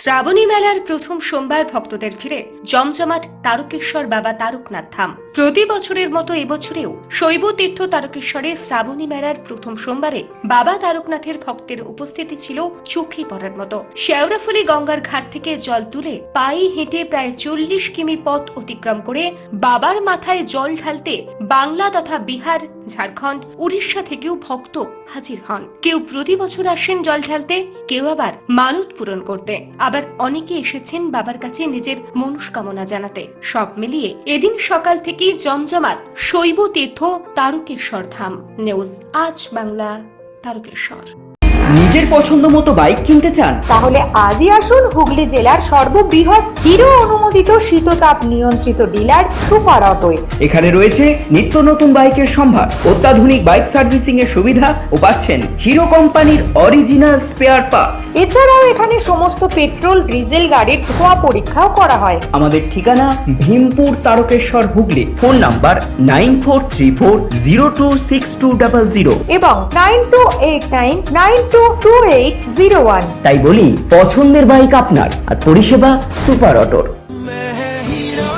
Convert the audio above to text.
শ্রাবণী মেলার প্রথম সোমবার ভক্তদের ঘিরে জমজমাট তারকেশ্বর বাবা তারকনাথ ধাম। প্রতি বছরের মতো এবছরেও শৈব তীর্থ তারকেশ্বরে শ্রাবণী মেলার প্রথম সোমবারে বাবা তারকনাথের ভক্তের উপস্থিতি ছিল চোখে পড়ার মতো। শেওড়াফুলি গঙ্গার ঘাট থেকে জল তুলে পায়ে হেঁটে প্রায় 40 কিমি পথ অতিক্রম করে বাবার মাথায় জল ঢালতে বাংলা তথা বিহার, ঝাড়খণ্ড, উড়িষ্যা থেকেও ভক্ত হাজির হন। কেউ প্রতি বছর আসেন জল ঢালতে, কেউ আবার মানত পূরণ করতে, আবার অনেকে এসেছেন বাবার কাছে নিজের মনস্কামনা জানাতে। সব মিলিয়ে এদিন সকাল থেকেই জমজমাট শৈব তীর্থ তারকেশ্বর ধাম। নিউজ আজ বাংলা, তারকেশ্বর। নিজের পছন্দ মতো বাইক কিনতে চান? তাহলে আজই আসুন হুগলি জেলার সর্ববৃহৎ হিরো অনুমোদিত শীততাপ নিয়ন্ত্রিত ডিলার সুপার অটোয়। এখানে রয়েছে নিত্য নতুন বাইকের সম্ভার, অত্যাধুনিক বাইক সার্ভিসিং এর সুবিধা ও পাচ্ছেন হিরো কোম্পানির অরিজিনাল স্পেয়ার পার্টস। এছাড়াও এখানে সমস্ত পেট্রোল, ডিজেল গাড়ির ধোঁয়া পরীক্ষাও করা হয়। আমাদের ঠিকানা ভীমপুর, তারকেশ্বর, হুগলি। ফোন নাম্বার 9434026200 এবং 9289922801। তাই বলি, পছন্দের বাইক আপনার আর পরিষেবা সুপার অটোর।